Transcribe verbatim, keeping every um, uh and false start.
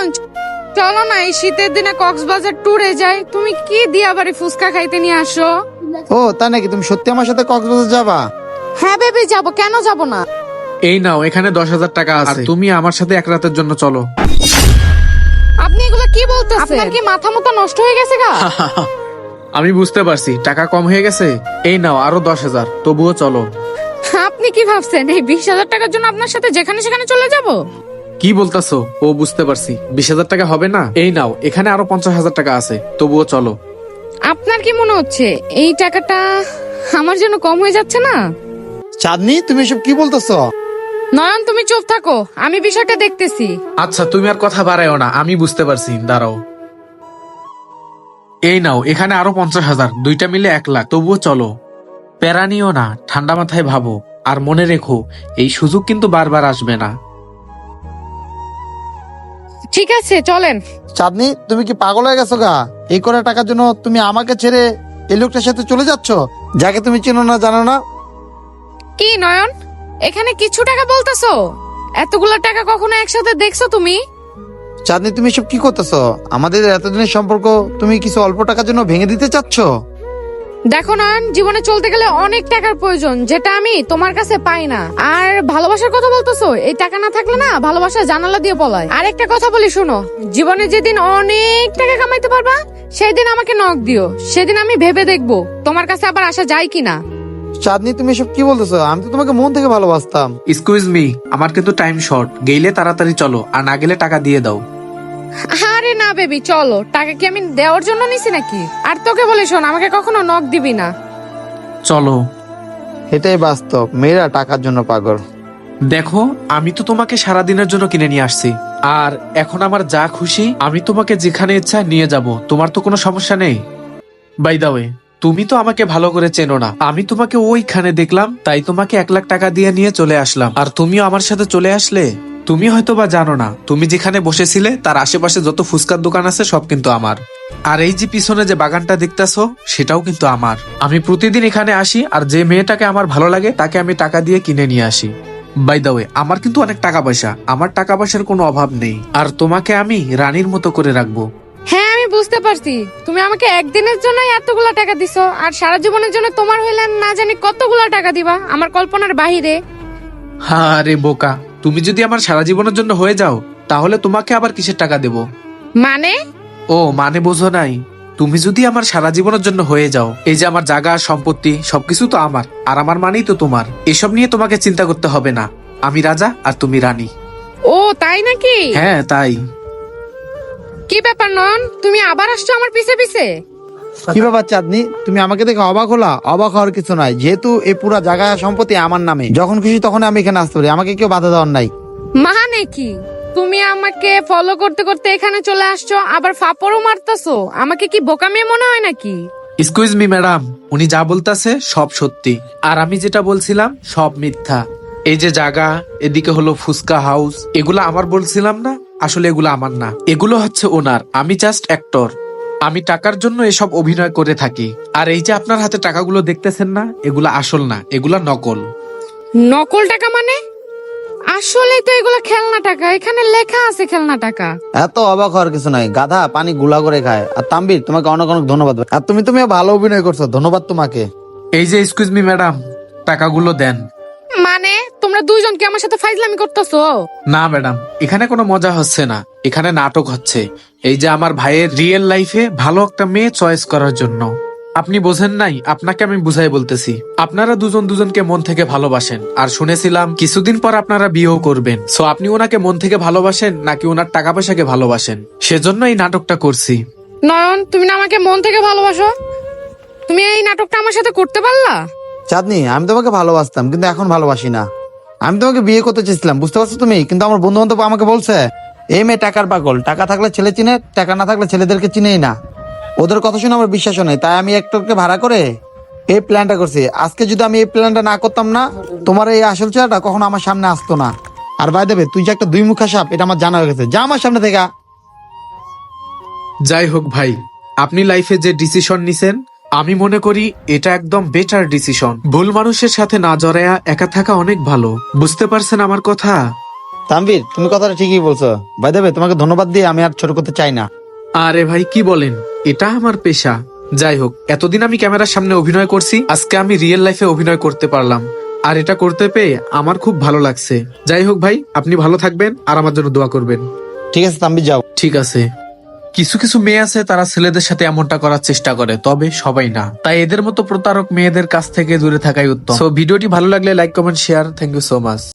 নয়ন, চলো না এই শীতের দিনে কক্সবাজার ট্যুরে যাই। তুমি কি দিয়াবাড়ি ফুচকা খাইতে নিয়ে আসো? ও তাই নাকি? তুমি সত্যি আমার সাথে কক্সবাজার যাবা? হ্যাঁ বেবি, যাবো, কেন যাব না। এই নাও, এখানে দশ হাজার টাকা আছে, তুমি আমার সাথে এক রাতের জন্য চলো। আপনি এগুলো কি বলতেছেন? আপনার কি মাথা মুথা নষ্ট হয়ে গেছে গা? আমি বুঝতে পারছি টাকা কম হয়ে গেছে। এই নাও আরো দশ হাজার, তবুও চলো। আপনি কি ভাবছেন এই বিশ হাজার টাকার জন্য আপনার সাথে যেখানে সেখানে চলে যাব? কি বলতাছো? ও বুঝতে পারছি, বিশ হাজার টাকা হবে না। এই নাও, এখানে আরো পঞ্চাশ হাজার টাকা আছে, তবুও চলো। আপনার কি মনে হচ্ছে এই টাকাটা আমার জন্য কম হয়ে যাচ্ছে না? চাঁদনি, তুমি এসব কি বলতেছো? নয়ন তুমি চুপ থাকো, আমি বিষয়টা দেখতেছি। আচ্ছা তুমি আর কথা বাড়ায়ও না, আমি বুঝতে পারছি, দাঁড়াও। এই নাও, এখানে আরো পঞ্চাশ হাজার, দুইটা মিলে এক লাখ, তবুও চলো। প্যারা নিও না, ঠান্ডা মাথায় ভাবো, আর মনে রেখো এই সুযোগ কিন্তু বারবার আসবে না। ঠিক আছে চলেন। চাঁদনি, তুমি কি পাগল হয়ে গেছো গা? এই করা টাকার জন্য তুমি আমাকে ছেড়ে এই লোকটার সাথে চলে যাচ্ছ, যাকে তুমি চেনো না জানো না? কি নয়ন, এখানে কিছু টাকা বলতেছো? এতগুলো টাকা কখনো একসাথে দেখছো তুমি? চাঁদনি, তুমি এসব কি করতেছো? আমাদের এতদিনের সম্পর্ক তুমি কিছু অল্প টাকার জন্য ভেঙে দিতে চাচ্ছ? দেখো নয়ন, জীবনে চলতে গেলে অনেক টাকার প্রয়োজন, যেটা আমি তোমার কাছে পাই না। আর ভালোবাসার কথা বলতেছো, এই টাকা না থাকলে না ভালোবাসা জানালা দিয়ে পলায়। আর একটা কথা বলি শোনো, জীবনে যেদিন অনেক টাকা কামাইতে পারবা সেই দিন আমাকে নক দিও, সেদিন আমি ভেবে দেখবো তোমার কাছে আবার আসা যায় কিনা। চাঁদনি, তুমি এসব কি বলতেছো? আমি তো তোমাকে মন থেকে ভালোবাসতাম। এক্সকিউজ মি, আমার কিন্তু টাইম শর্ট, গেলে তাড়াতাড়ি চলো, আর না গেলে টাকা দিয়ে দাও। আরে না বেবি, চলো। টাকা কি আমি দেওয়ার জন্য নিছি নাকি? আর তোকে বলি শোন, আমাকে কখনো নক দিবি না। চলো। এটাই বাস্তব, মেয়েরা টাকার জন্য পাগল। দেখো, আমি তো তোমাকে সারা দিনের জন্য কিনে নিয়ে আসছি, আর এখন আমার যা খুশি আমি তোমাকে যেখানে ইচ্ছা নিয়ে যাব, তোমার তো কোনো সমস্যা নেই। বাই দা ওয়ে, তুমি তো আমাকে ভালো করে চেনো না, আমি তোমাকে ওইখানে দেখলাম, তাই তোমাকে এক লাখ টাকা দিয়ে নিয়ে চলে আসলাম, আর তুমিও আমার সাথে চলে আসলে। তুমি হয়তো বা জানো না, তুমি যেখানে বসেছিলে তার আশেপাশে যত ফুচকার দোকান আছে সব কিন্তু আমার। আর এই যে পিছনে যে বাগানটা দেখতেছো সেটাও কিন্তু আমার। আমি প্রতিদিন এখানে আসি, আর যে মেয়েটাকে আমার ভালো লাগে তাকে আমি টাকা দিয়ে কিনে নিয়ে আসি। বাই দা ওয়ে, আমার কিন্তু অনেক টাকা পয়সা, আমার টাকা পয়সার কোনো অভাব নেই, আর তোমাকে আমি রানীর মতো করে রাখবো। হ্যাঁ আমি বুঝতে পারছি, তুমি আমাকে একদিনের জন্য এতগুলা টাকা দিছো, আর সারা জীবনের জন্য তোমার হইলে না জানি কতগুলা টাকা দিবা, আমার কল্পনার বাহিরে। হ্যাঁ রে বোকা, তুমি যদি আমার সারা জীবনের জন্য হয়ে যাও তাহলে তোমাকে আবার কিসের টাকা দেব? মানে? ও মানে বোঝো নাই? তুমি যদি আমার সারা জীবনের জন্য হয়ে যাও, এই যে আমার জায়গা সম্পত্তি সবকিছু তো আমার, আর আমার মানেই তো তোমার, এসব নিয়ে তোমাকে চিন্তা করতে হবে না। আমি রাজা আর তুমি রানী। ও তাই নাকি? হ্যাঁ তাই। কি ব্যাপার নয়ন, তুমি আবার আসছো আমার পিছে পিছে? কি ব্যাপার চাঁদনি, তুমি আমাকে দেখে অবাক হলা? অবাক হওয়ার কিছু নাই, যেহেতু এই পুরা জায়গা সম্পত্তি আমার নামে, যখন খুশি তখন আমি এখানে আসতে পারি, আমাকে কেউ বাধা দেওয়ার নাই। মানে কি, তুমি আমাকে ফলো করতে করতে এখানে চলে আসছো, আবার ফাপড়ও মারতেছো? আমাকে কি বোকা মেয়ে মনে হয় নাকি? এক্সকিউজ মি ম্যাডাম, উনি যা বলতেছে সব সত্যি, আর আমি যেটা বলছিলাম সব মিথ্যা। এই যে জায়গা, এদিকে হলো ফুচকা হাউস, এগুলো আমার বলছিলাম না, আসলে এগুলো আমার না, এগুলো হচ্ছে ওনার, আমি জাস্ট অ্যাক্টর। আমি টাকার জন্য এসব অভিনয় করে থাকি। আর এই যে আপনার হাতে টাকাগুলো দেখতেছেন না, এগুলো আসল না, এগুলা নকল। নকল টাকা মানে? আসলে তো এগুলো খেলনা টাকা, এখানে লেখা আছে খেলনা টাকা। এত অবাক হওয়ার কিছু নাই, গাধা পানি গুলা করে খায়। আর তাম্বির, তোমাকে অনেক অনেক ধন্যবাদ, আর তুমি তুমি ভালো অভিনয় করছো, ধন্যবাদ তোমাকে। এই যে এক্সকিউজ মি ম্যাডাম, টাকাগুলো দেন। মানে তোমরা দুইজন কি আমার সাথে ফাইজলামি করতেছো? না ম্যাডাম, এখানে কোনো মজা হচ্ছে না, এখানে নাটক হচ্ছে। এই যে আমার ভাইয়ের রিয়েল লাইফে ভালো একটা মেয়ে চয়েস করার জন্য। আপনি বোঝেন নাই, আপনাকে আমি বুঝাই বলতেছি। আপনারা দুজন দুজনকে মন থেকে ভালোবাসেন, আর শুনেছিলাম কিছুদিন পর আপনারা বিয়েও করবেন। সো আপনি ওনাকে মন থেকে ভালোবাসেন নাকি ওনার টাকা পয়সাকে ভালোবাসেন, সেজন্য এই নাটকটা করছি। নয়ন, তুমি না আমাকে মন থেকে ভালোবাসো, তুমি এই নাটকটা আমার সাথে করতে পারলা? চাঁদনি, আমি তোমাকে ভালোবাসতাম কিন্তু এখন ভালোবাসি না। আমি তোমাকে বিয়ে করতে চেয়েছিলাম, বুঝতে পারছো তুমি? কিন্তু আমার বন্ধু বান্ধব আমাকে বলছে এই মেয়ে টাকার পাগল, টাকা থাকলে ছেলে চিনে, টাকা না থাকলে ছেলেদেরকে চিনেই না। ওদের কথা শুনে আমার বিশ্বাস নেই, তাই আমি একটুকে ভাড়া করে এই প্ল্যানটা করছি। আজকে যদি আমি এই প্ল্যানটা না করতাম না, তোমার এই আসল চেহারাটা কখনো আমার সামনে আসতো না। আর বাই দেবে, তুই যে একটা দুই মুখা সাপ, এটা আমার জানা হয়ে গেছে, যা আমার সামনে থেকে। যাই হোক ভাই, আপনি লাইফে যে ডিসিশন নিছেন আমি মনে করি এটা একদম বেটার ডিসিশন। ভুল মানুষের সাথে না জড়ায়া একা থাকা অনেক ভালো, বুঝতে পারছেন আমার কথা? তানভীর, তুমি কথাটা ঠিকই বলছো। ভাই দেবে, তোমাকে ধন্যবাদ দিয়ে আমি আর ছোট করতে চাই না। আরে ভাই কি বলেন, এটা আমার পেশা। যাই হোক, এতদিন আমি ক্যামেরার সামনে অভিনয় করছি, আজকে আমি রিয়েল লাইফে অভিনয় করতে পারলাম, আর এটা করতে পেয়ে আমার খুব ভালো লাগছে। যাই হোক ভাই, আপনি ভালো থাকবেন আর আমার জন্য দোয়া করবেন। ঠিক আছে তানভীর, যাও। ঠিক আছে। কিছু কিছু মেয়ে আছে তারা ছেলেদের সাথে এমনটা করার চেষ্টা করে, তবে সবাই না। তাই এদের মতো প্রতারক মেয়েদের কাছ থেকে দূরে থাকাই উত্তম। সো ভিডিওটি ভালো লাগলে like comment share. Thank you so much.